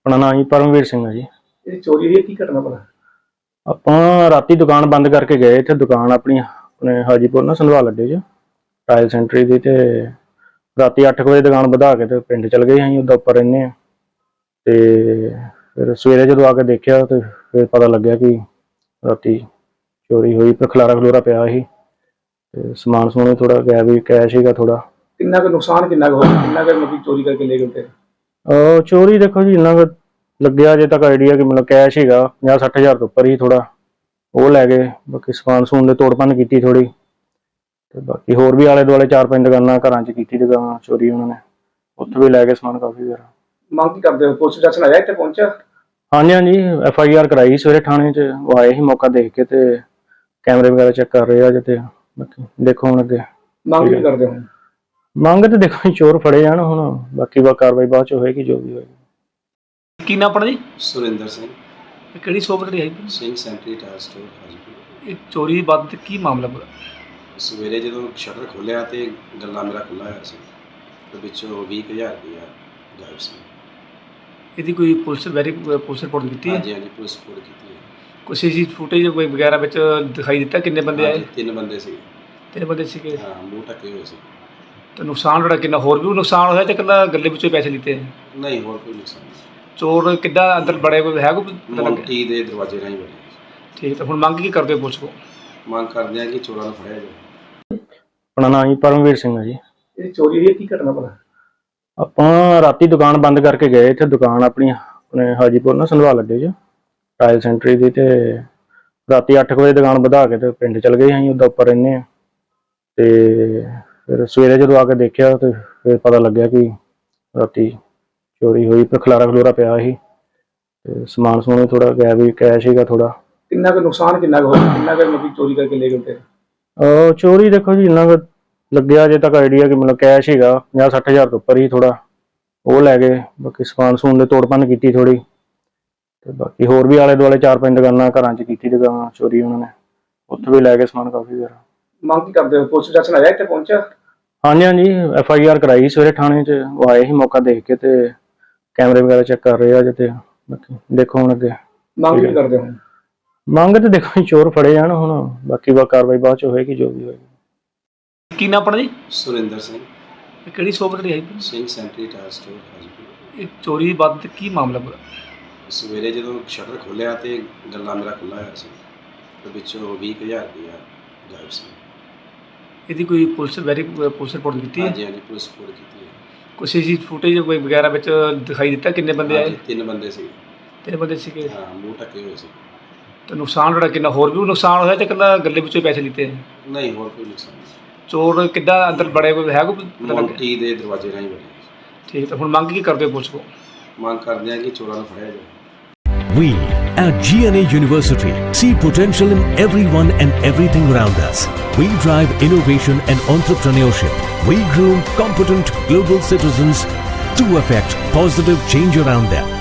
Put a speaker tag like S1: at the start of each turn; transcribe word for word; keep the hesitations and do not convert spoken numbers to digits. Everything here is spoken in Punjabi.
S1: ਆਪਣਾ ਨਾਮ ਜੀ ਪਰਮਵੀਰ ਸਿੰਘ ਹੈ ਜੀ।
S2: ਇਹ ਚੋਰੀ ਦੀ ਕੀ ਘਟਨਾ ਭਲਾ?
S1: ਆਪਾਂ ਰਾਤੀ ਦੁਕਾਨ ਬੰਦ ਕਰਕੇ ਗਏ, ਇੱਥੇ ਦੁਕਾਨ ਆਪਣੀ ਆਪਣੇ ਹਾਜੀਪੁਰ ਨਾ ਸੰਧਵਾਲ ਅੱਡੇ 'ਚ ਟਾਇਲ ਸੈਂਟਰੀ ਦੀ, ਤੇ ਰਾਤੀ ਅੱਠ ਕੁ ਵਜੇ ਦੁਕਾਨ ਵਧਾ ਕੇ ਤੇ ਪਿੰਡ ਚਲ ਗਏ। ਅਸੀਂ ਉਹਦਾ ਉੱਪਰ ਰਹਿੰਦੇ ਹਾਂ, ਤੇ ਫਿਰ ਸਵੇਰੇ ਜਦੋਂ ਆ ਕੇ ਦੇਖਿਆ ਤੇ ਫਿਰ ਪਤਾ ਲੱਗਿਆ ਕਿ ਰਾਤੀ ਚੋਰੀ ਹੋਈ। ਫਿਰ ਖਲਾਰਾ ਖਲੂਰਾ ਪਿਆ ਸੀ ਤੇ ਸਮਾਨ ਸਮੂਨ ਥੋੜਾ ਗਾਇਬ ਵੀ, ਕੈਸ਼ ਸੀਗਾ ਥੋੜਾ।
S2: ਕਿੰਨਾ ਕੁ ਨੁਕਸਾਨ ਕਿੰਨਾ ਕੁ ਹੋਇਆ, ਕਿੰਨਾ ਕੁ ਮਤਲਬ ਚੋਰੀ ਕਰਕੇ ਲੈ ਗਏ ਫਿਰ?
S1: ਅਹ ਚੋਰੀ ਦੇਖੋ ਜੀ, ਇੰਨਾ ਕੁ ਲੱਗਿਆ ਅਜੇ ਤੱਕ ਆਈਡੀਆ ਕਿ ਮਤਲਬ ਕੈਸ਼ ਸੀਗਾ ਪੰਜਾਹ ਸੱਠ ਹਜ਼ਾਰ ਤੋਂ ਉੱਪਰ ਹੀ, ਥੋੜਾ ਉਹ ਲੈ ਗਏ। ਬਾਕੀ ਸਮਾਨ ਸਮੂਨ ਦੇ ਤੋੜ ਭੰਨ ਕੀਤੀ ਥੋੜੀ, ਤੇ ਬਾਕੀ ਹੋਰ ਵੀ ਆਲੇ ਦੁਆਲੇ ਚਾਰ ਪੰਜ ਦੁਕਾਨਾਂ ਘਰਾਂ 'ਚ ਕੀਤੀ ਦੁਕਾਨ ਚੋਰੀ ਉਹਨਾਂ ਨੇ, ਉੱਥੇ ਵੀ ਲੈ ਗਏ ਸਮਾਨ ਕਾਫੀ ਸਾਰਾ।
S2: ਮੰਗ ਕੀ ਕਰਦੇ ਹੋ? ਪੁਲਿਸ ਪ੍ਰਸ਼ਾਸਨ ਆਇਆ ਇੱਥੇ ਪਹੁੰਚਿਆ?
S1: ਹਾਂਜੀ ਹਾਂਜੀ, ਐਫ ਆਈ ਆਰ ਕਰਾਈ ਸਵੇਰੇ ਥਾਣੇ 'ਚ, ਉਹ ਆਏ ਸੀ ਮੌਕਾ ਦੇਖ ਕੇ ਤੇ ਕੈਮਰੇ ਵਗੈਰਾ ਚੈੱਕ ਕਰ ਰਹੇ ਆ ਅਜੇ। ਤੇ ਬਾਕੀ ਦੇਖੋ ਹੁਣ ਅੱਗੇ
S2: ਮੰਗ ਕੀ ਕਰਦੇ ਹੋ? ਮੰਗ
S1: ਤੇ ਦੇਖੋ ਚੋਰ ਫੜੇ ਜਾਣ ਹੁਣ, ਬਾਕੀ ਬਾ ਕਾਰਵਾਈ ਬਾਅਦ 'ਚ ਹੋਏਗੀ ਜੋ ਵੀ ਹੋਏਗੀ।
S2: ਕੀ ਨਾਮ ਆਪਣਾ ਜੀ?
S3: ਸੁਰਿੰਦਰ ਸਿੰਘ।
S2: ਇਹ ਕਿਹੜੀ ਸ਼ੋਪ ਤੇ ਆਈ?
S3: Singh sentry tyre store Hajipur.
S2: ਇਹ ਚੋਰੀ ਦੀ ਬਾਤ ਤੇ ਕੀ ਮਾਮਲਾ ਪੂਰਾ?
S3: ਸਵੇਰੇ ਜਦੋਂ ਸ਼ਟਰ ਖੋਲ੍ਹਿਆ ਤੇ ਗੱਲਾ ਮੇਰਾ ਖੁੱਲ੍ਹਾ ਹੋਇਆ ਸੀ, ਤੇ ਵਿੱਚੋਂ ਵੀਹ ਕੁ ਹਜ਼ਾਰ ਰੁਪਇਆ ਗਾਇਬ ਸੀ।
S2: ਇਹਦੀ ਕੋਈ ਪੁਲਿਸ ਵੈਰੀ ਪੁਲਿਸ ਰਿਪੋਰਟ ਕੀਤੀ ਹੈ?
S3: ਹਾਂਜੀ ਹਾਂਜੀ, ਪੁਲਿਸ ਰਿਪੋਰਟ ਕੀਤੀ ਹੈ।
S2: ਕੋਈ ਸੀ ਸੀ ਫੁਟੇਜ ਕੋਈ ਵਗੈਰਾ ਵਿੱਚ ਦਿਖਾਈ ਦਿੱਤਾ ਕਿੰਨੇ ਬੰਦੇ ਆਏ?
S3: ਹਾਂਜੀ, ਤਿੰਨ ਬੰਦੇ ਸੀ।
S2: ਤਿੰਨ ਬੰਦੇ ਸੀਗੇ।
S3: ਹਾਂ, ਮੂੰਹ ਢੱਕੇ ਹੋਏ ਸੀ।
S2: ਤੇ ਨੁਕਸਾਨ ਜਿਹੜਾ ਕਿੰਨਾ, ਹੋਰ ਵੀ ਨੁਕਸਾਨ ਹੋਇਆ ਤੇ ਇਕੱਲਾ ਗੱਲੇ ਵਿੱਚੋਂ ਪੈਸੇ ਲਿੱਤੇ?
S3: ਨਹੀਂ, ਹੋਰ ਕੋਈ ਨੁਕਸਾਨ ਨਹੀਂ।
S2: ਚੋਰ ਕਿੱਦਾਂ ਅੰਦਰ ਬੜੇ ਕੋਈ ਹੈ ਕੋਈ ਪਤਾ ਲੱਗਿਆ?
S3: ਮੋਂਟੀ ਦੇ ਦਰਵਾਜ਼ੇ ਰਾਹੀਂ ਬਣੇ।
S2: ਠੀਕ, ਤਾਂ ਹੁਣ ਮੰਗ ਕੀ ਕਰਦੇ ਹੋ ਪੁਲਿਸ ਕੋਲ?
S3: ਮੰਗ ਕਰਦੇ ਹਾਂ ਕਿ ਚੋਰਾਂ ਨੂੰ ਫੜਿਆ ਜਾਵੇ।
S1: ਆਪਣਾ ਨਾਮ ਜੀ ਪਰਮਵੀਰ ਸਿੰਘ ਹੈ ਜੀ।
S2: ਇਹ ਚੋਰੀ ਦੀ ਕੀ ਘਟਨਾ ਭਲਾ?
S1: ਆਪਾਂ ਰਾਤੀ ਦੁਕਾਨ ਬੰਦ ਕਰਕੇ ਗਏ, ਇੱਥੇ ਦੁਕਾਨ ਆਪਣੀ ਆਪਣੇ ਹਾਜੀਪੁਰ ਨਾ ਸੰਧਵਾਲ ਅੱਡੇ 'ਚ ਟਾਇਲ ਸੈਂਟਰੀ ਦੀ, ਤੇ ਰਾਤੀ ਅੱਠ ਕੁ ਵਜੇ ਦੁਕਾਨ ਵਧਾ ਕੇ ਤੇ ਪਿੰਡ ਚਲ ਗਏ। ਅਸੀਂ ਉਹਦਾ ਉੱਪਰ ਰਹਿੰਦੇ ਹਾਂ, ਤੇ ਫਿਰ ਸਵੇਰੇ ਜਦੋਂ ਆ ਕੇ ਦੇਖਿਆ ਤੇ ਫਿਰ ਪਤਾ ਲੱਗਿਆ ਕਿ ਰਾਤੀ ਚੋਰੀ ਹੋਈ। ਫਿਰ ਖਲਾਰਾ ਖਲੂਰਾ ਪਿਆ ਸੀ ਤੇ ਸਮਾਨ ਸਮੂਨ ਥੋੜਾ ਗਾਇਬ ਵੀ, ਕੈਸ਼ ਸੀਗਾ ਥੋੜਾ।
S2: ਕਿੰਨਾ ਕੁ ਨੁਕਸਾਨ ਕਿੰਨਾ ਕੁ ਹੋਇਆ, ਕਿੰਨਾ ਕੁ ਮਤਲਬ ਚੋਰੀ ਕਰਕੇ ਲੈ ਗਏ ਫਿਰ?
S1: ਅਹ ਚੋਰੀ ਦੇਖੋ ਜੀ, ਇੰਨਾ ਕੁ ਲੱਗਿਆ ਅਜੇ ਤੱਕ ਆਈਡੀਆ ਕਿ ਮਤਲਬ ਕੈਸ਼ ਸੀਗਾ ਪੰਜਾਹ ਸੱਠ ਹਜ਼ਾਰ ਤੋਂ ਉੱਪਰ ਹੀ, ਥੋੜਾ ਉਹ ਲੈ ਗਏ। ਬਾਕੀ ਸਮਾਨ ਸਮੂਨ ਦੇ ਤੋੜ ਭੰਨ ਕੀਤੀ ਥੋੜੀ, ਤੇ ਬਾਕੀ ਹੋਰ ਵੀ ਆਲੇ ਦੁਆਲੇ ਚਾਰ ਪੰਜ ਦੁਕਾਨਾਂ ਘਰਾਂ 'ਚ ਕੀਤੀ ਦੁਕਾਨ ਚੋਰੀ ਉਹਨਾਂ ਨੇ, ਉੱਥੇ ਵੀ ਲੈ ਗਏ ਸਮਾਨ ਕਾਫੀ ਸਾਰਾ।
S2: ਮੰਗ ਕੀ ਕਰਦੇ ਹੋ? ਪੁਲਿਸ ਪ੍ਰਸ਼ਾਸਨ ਆਇਆ ਇੱਥੇ ਪਹੁੰਚਿਆ?
S1: ਹਾਂਜੀ ਹਾਂਜੀ, ਐਫ ਆਈ ਆਰ ਕਰਾਈ ਸਵੇਰੇ ਥਾਣੇ 'ਚ, ਉਹ ਆਏ ਸੀ ਮੌਕਾ ਦੇਖ ਕੇ ਤੇ ਕੈਮਰੇ ਵਗੈਰਾ ਚੈੱਕ ਕਰ ਰਹੇ ਆ ਅਜੇ। ਤੇ ਬਾਕੀ ਦੇਖੋ ਹੁਣ ਅੱਗੇ
S2: ਮੰਗ ਕੀ ਕਰਦੇ ਹੋ?
S1: ਮੰਗ ਤੇ ਦੇਖੋ ਚੋਰ ਫੜੇ ਜਾਣ ਹੁਣ, ਬਾਕੀ ਬਾ ਕਾਰਵਾਈ ਬਾਅਦ 'ਚ ਹੋਏਗੀ ਜੋ ਵੀ ਹੋਏਗੀ।
S2: ਕੀ ਨਾਮ ਆਪਣਾ ਜੀ?
S3: ਸੁਰਿੰਦਰ ਸਿੰਘ।
S2: ਇਹ ਕਿਹੜੀ ਸ਼ੋਪ ਤੇ ਆਈ?
S3: Singh sentry tyre store Hajipur.
S2: ਇਹ ਚੋਰੀ ਦੀ ਬਾਤ ਤੇ ਕੀ ਮਾਮਲਾ ਪੂਰਾ?
S3: ਸਵੇਰੇ ਜਦੋਂ ਸ਼ਟਰ ਖੋਲ੍ਹਿਆ ਤੇ ਗੱਲਾ ਮੇਰਾ ਖੁੱਲ੍ਹਾ ਹੋਇਆ ਸੀ, ਤੇ ਵਿੱਚੋਂ ਵੀਹ ਕੁ ਹਜ਼ਾਰ ਰੁਪਇਆ ਗਾਇਬ ਸੀ।
S2: ਇਹਦੀ ਕੋਈ ਪੁਲਿਸ ਵੈਰੀ ਪੁਲਿਸ ਰਿਪੋਰਟ ਕੀਤੀ ਹੈ?
S3: ਹਾਂਜੀ ਹਾਂਜੀ, ਪੁਲਿਸ ਰਿਪੋਰਟ ਕੀਤੀ ਹੈ।
S2: ਕੋਈ ਸੀ ਸੀ ਫੁਟੇਜ ਕੋਈ ਵਗੈਰਾ ਵਿੱਚ ਦਿਖਾਈ ਦਿੱਤਾ ਕਿੰਨੇ ਬੰਦੇ ਆਏ?
S3: ਹਾਂਜੀ, ਤਿੰਨ ਬੰਦੇ ਸੀ।
S2: ਤਿੰਨ ਬੰਦੇ ਸੀਗੇ।
S3: ਹਾਂ, ਮੂੰਹ ਢੱਕੇ ਹੋਏ ਸੀ।
S2: ਤੇ ਨੁਕਸਾਨ ਜਿਹੜਾ ਕਿੰਨਾ, ਹੋਰ ਵੀ ਨੁਕਸਾਨ ਹੋਇਆ ਤੇ ਇਕੱਲਾ ਗੱਲੇ ਵਿੱਚੋਂ ਪੈਸੇ ਲਿੱਤੇ?
S3: ਨਹੀਂ, ਹੋਰ ਕੋਈ ਨੁਕਸਾਨ ਨਹੀਂ।
S2: ਚੋਰ ਕਿੱਦਾਂ ਅੰਦਰ ਬੜੇ ਕੋਈ ਹੈ ਕੋਈ ਪਤਾ ਲੱਗਿਆ?
S3: ਮੋਂਟੀ ਦੇ ਦਰਵਾਜ਼ੇ ਰਾਹੀਂ ਬਣੇ।
S2: ਠੀਕ, ਤਾਂ ਹੁਣ ਮੰਗ ਕੀ ਕਰਦੇ ਹੋ ਪੁਲਿਸ ਕੋਲ?
S3: ਮੰਗ ਕਰਦੇ ਹਾਂ ਕਿ ਚੋਰਾਂ ਨੂੰ ਫੜਿਆ ਜਾਵੇ।
S4: We at G N A University see potential in everyone and everything around us. We drive innovation and entrepreneurship. We groom competent global citizens to affect positive change around them.